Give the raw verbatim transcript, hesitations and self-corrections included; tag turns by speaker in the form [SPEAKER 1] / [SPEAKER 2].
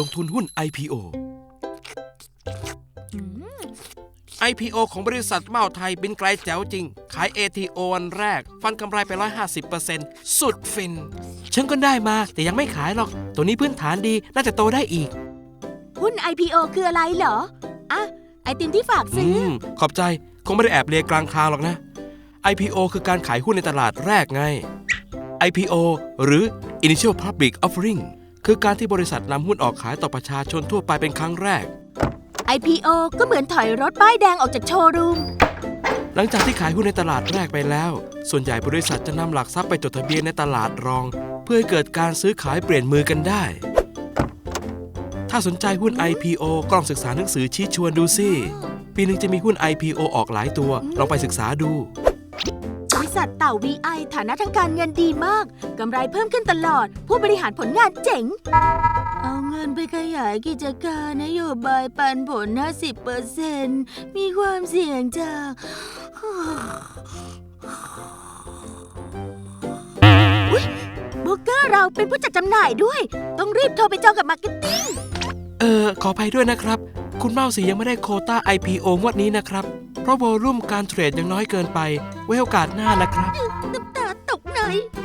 [SPEAKER 1] ลงทุนหุ้น ไอ พี โอ ไอ พี โอ ของบริษัทเม่าไทยบินไกลแจ๋วจริงขาย เอ ที โอ วันแรกฟันกำไรไป หนึ่งร้อยห้าสิบเปอร์เซ็นต์ สุดฟินฉันก็ได้มาแต่ยังไม่ขายหรอกตัวนี้พื้นฐานดีน่าจะโตได้อีก
[SPEAKER 2] หุ้น ไอ พี โอ คืออะไรเหรออ่ะไอติมที่ฝากซื้อ
[SPEAKER 1] อืมขอบใจคงไม่ได้แอบเลียกลางคางหรอกนะ ไอ พี โอ คือการขายหุ้นในตลาดแรกไง ไอ พี โอ หรือ Initial Public Offering คือการที่บริษัทนำหุ้นออกขายต่อประชาชนทั่วไปเป็นครั้งแรก
[SPEAKER 2] ไอ พี โอ ก็เหมือนถอยรถป้ายแดงออกจากโชว์รูม
[SPEAKER 1] หลังจากที่ขายหุ้นในตลาดแรกไปแล้วส่วนใหญ่บริษัทจะนำหลักทรัพย์ไปจดทะเบียนในตลาดรองเพื่อให้เกิดการซื้อขายเปลี่ยนมือกันได้ถ้าสนใจหุ้น ไอ พี โอ ก็ลองศึกษาหนังสือชี้ชวนดูสิปีหนึ่งจะมีหุ้น ไอ พี โอ ออกหลายตัวลองไปศึกษาดู
[SPEAKER 2] บริษัทเต่า วี ไอ ฐานะทางการเงินดีมากกำไรเพิ่มขึ้นตลอดผู้บริหารผลงานเจ๋งเอาเงินไปขยายกิจการนโยบายปันผล ห้าสิบเปอร์เซ็นต์ มีความเสี่ยงจากอุ๊ยโบรกเกอร์เราเป็นผู้จัดจำหน่ายด้วยต้องรีบโทรไปจองกับมาร์เก็ตติ้ง
[SPEAKER 1] เออขออภัยด้วยนะครับคุณเมาสียังไม่ได้โควต้า ไอ พี โอ งวดนี้นะครับเพราะโวลุ่มการเทรดยังน้อยเกินไปไว้โอกาสหน้านะครับ
[SPEAKER 2] น้ำตาตกใน